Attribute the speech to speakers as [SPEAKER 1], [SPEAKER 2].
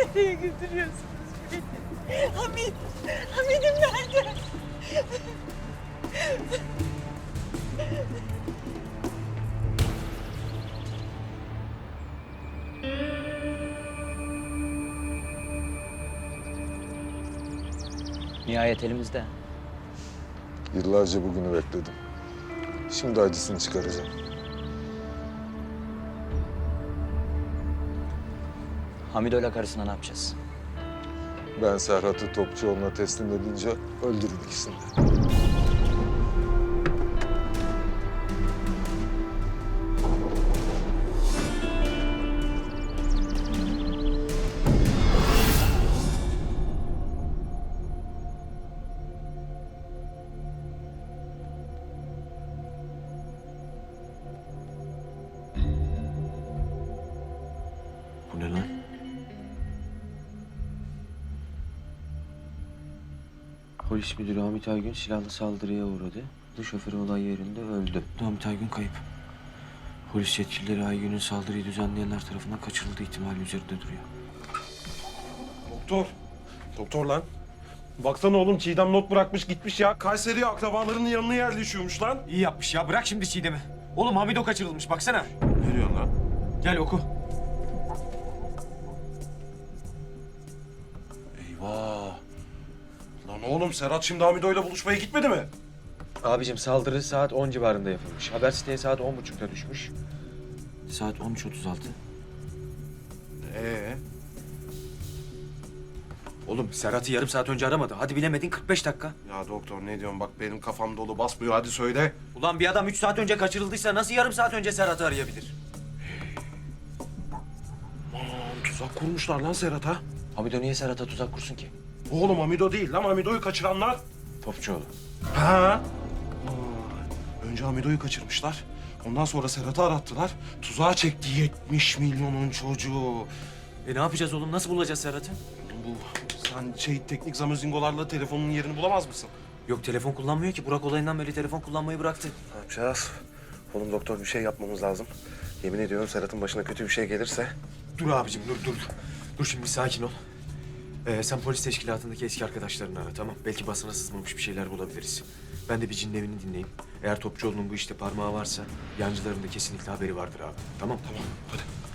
[SPEAKER 1] Nereye götürüyorsunuz beni? Hamid'im nerede?
[SPEAKER 2] Nihayet elimizde.
[SPEAKER 3] Yıllarca bugünü bekledim. Şimdi acısını çıkaracağım.
[SPEAKER 2] Hamido'yla karısına ne yapacağız?
[SPEAKER 3] Ben Serhat'ı Topçuoğlu'na teslim edince öldürün ikisini de.
[SPEAKER 4] Bu ne lan? Polis müdürü Hamit Aygün silahlı saldırıya uğradı. Şoförü olay yerinde öldü. Hamit Aygün kayıp. Polis yetkilileri Aygün'ün saldırıyı düzenleyenler tarafından kaçırıldığı ihtimali üzerinde duruyor.
[SPEAKER 5] Doktor. Doktor lan. Baksana oğlum Çiğdem not bırakmış gitmiş ya. Kayseri'ye akrabalarının yanına yerleşiyormuş lan.
[SPEAKER 6] İyi yapmış ya. Bırak şimdi Çiğdem'i. Oğlum Hamido kaçırılmış. Baksana.
[SPEAKER 5] Ne diyorsun lan?
[SPEAKER 6] Gel oku.
[SPEAKER 5] Eyvah. Lan oğlum Serhat şimdi Hamido'yla buluşmaya gitmedi mi?
[SPEAKER 4] Abicim saldırı saat 10 civarında yapılmış. Haber siteye saat 10.30'da düşmüş. Saat 13.36.
[SPEAKER 6] Oğlum Serhat'ı yarım saat önce aramadı. Hadi bilemedin 45 dakika.
[SPEAKER 5] Ya doktor ne diyorsun bak benim kafam dolu basmıyor hadi söyle.
[SPEAKER 6] Ulan bir adam 3 saat önce kaçırıldıysa nasıl yarım saat önce Serhat'ı arayabilir?
[SPEAKER 5] Aman tuzak kurmuşlar lan Serhat'a.
[SPEAKER 4] Hamido niye Serhat'a tuzak kursun ki?
[SPEAKER 5] Oğlum Hamido değil lan Hamido'yu kaçıranlar.
[SPEAKER 4] Topçuoğlu.
[SPEAKER 5] Ha? Önce Hamido'yu kaçırmışlar. Ondan sonra Serhat'ı arattılar. Tuzağa çekti 70 milyonun çocuğu.
[SPEAKER 6] Ne yapacağız oğlum? Nasıl bulacağız Serhat'ı?
[SPEAKER 5] Bu sen teknik zamazingolarla telefonun yerini bulamaz mısın?
[SPEAKER 6] Yok telefon kullanmıyor ki. Burak olayından beri telefon kullanmayı bıraktı.
[SPEAKER 7] Ne yapacağız? Oğlum doktor bir şey yapmamız lazım. Yemin ediyorum Serhat'ın başına kötü bir şey gelirse...
[SPEAKER 6] Dur abicim dur. Dur şimdi sakin ol. Sen polis teşkilatındaki eski arkadaşlarını ara tamam. Belki basına sızmamış bir şeyler bulabiliriz. Ben de bir cinin evini dinleyeyim. Eğer Topçuoğlu'nun bu işte parmağı varsa yancıların da kesinlikle haberi vardır abi. Tamam.
[SPEAKER 5] Tamam hadi.